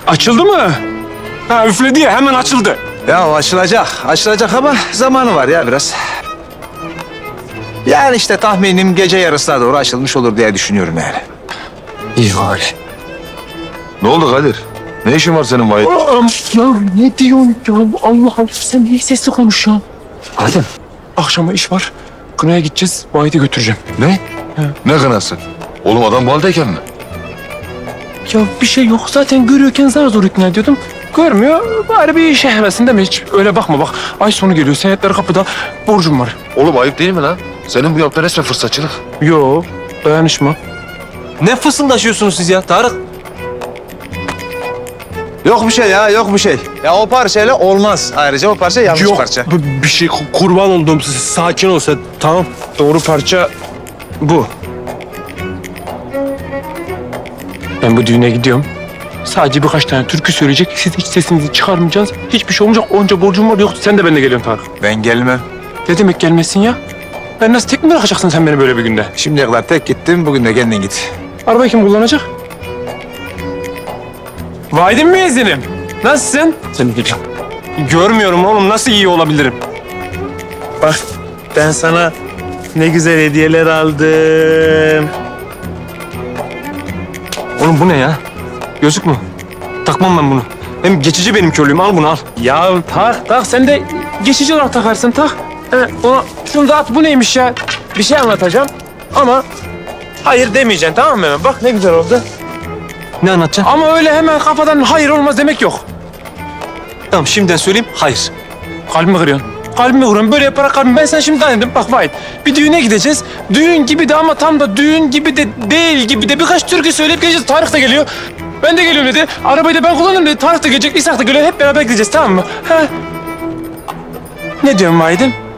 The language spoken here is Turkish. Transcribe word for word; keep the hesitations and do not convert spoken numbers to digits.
Açıldı mı? Ha üfledi ya hemen açıldı. Ya açılacak, açılacak ama zamanı var ya biraz. Yani işte tahminim gece yarısına doğru açılmış olur diye düşünüyorum yani. İyi bari. Ne oldu Kadir? Ne işin var senin Vahit? Ya ne diyorsun ya? Allah Allah sen niye sesli konuş ya? Adem. Akşama iş var. Kınaya gideceğiz. Vahit'i götüreceğim. Ne? Ne kınası? Oğlum adam bu haldeyken mi? Ya bir şey yok. Zaten görüyorken zar zor ikna ediyordum. Görmüyor. Bari bir işe hevesinde mi hiç? Öyle bakma bak. Ay sonu geliyor. Senetler kapıda. Borcum var. Oğlum ayıp değil mi lan? Senin bu yaptığın resmen fırsatçılık. Yo. Dayanışma. Ne fısıldaşıyorsunuz siz ya Tarık? Yok bir şey ya, yok bir şey. Ya o parçayla olmaz. Ayrıca o parça yanlış parça. b- bir şey ku- kurban oldum size. Sakin ol sen. Tamam. Doğru parça bu. Ben bu düğüne gidiyorum. Sadece birkaç tane türkü söyleyecek. Siz hiç sesinizi çıkarmayacaksınız. Hiçbir şey olmayacak. Onca borcum var. Yok sen de benimle geliyorsun Tarık. Ben gelmem. Ne demek gelmesin ya? Ben nasıl tek mi bırakacaksın sen beni böyle bir günde? Şimdiye kadar tek gittim, bugün de kendin git. Arabayı kim kullanacak? Vaydin mi ezinim? Nasılsın? Seni geliyorum. Görmüyorum oğlum. Nasıl iyi olabilirim? Bak ben sana ne güzel hediyeler aldım. Oğlum bu ne ya? Gözlük mü? Takmam ben bunu. Hem geçici benim körlüğüm. Al bunu al. Ya tak tak. Sen de geçici olarak takarsın tak. He, ona, şunu da at. Bu neymiş ya? Bir şey anlatacağım ama hayır demeyeceksin tamam mı hemen? Bak ne güzel oldu. Ne anlatacaksın? Ama öyle hemen kafadan hayır olmaz demek yok. Tamam şimdiden söyleyeyim. Hayır. Kalbimi kırıyorsun. Kalbimi kırıyorsun. Böyle yaparak kalbimi. Ben sana şimdi dedim. Bak Vahit. Bir düğüne gideceğiz. Düğün gibi de ama tam da düğün gibi de değil gibi de birkaç türkü söyleyip geleceğiz. Tarık da geliyor. Ben de geliyorum dedi. Arabayı da ben kullanırım dedi. Tarık da gelecek. İshak da geliyor. Hep beraber gideceğiz tamam mı? Ha? Ne diyorsun Vahit'im?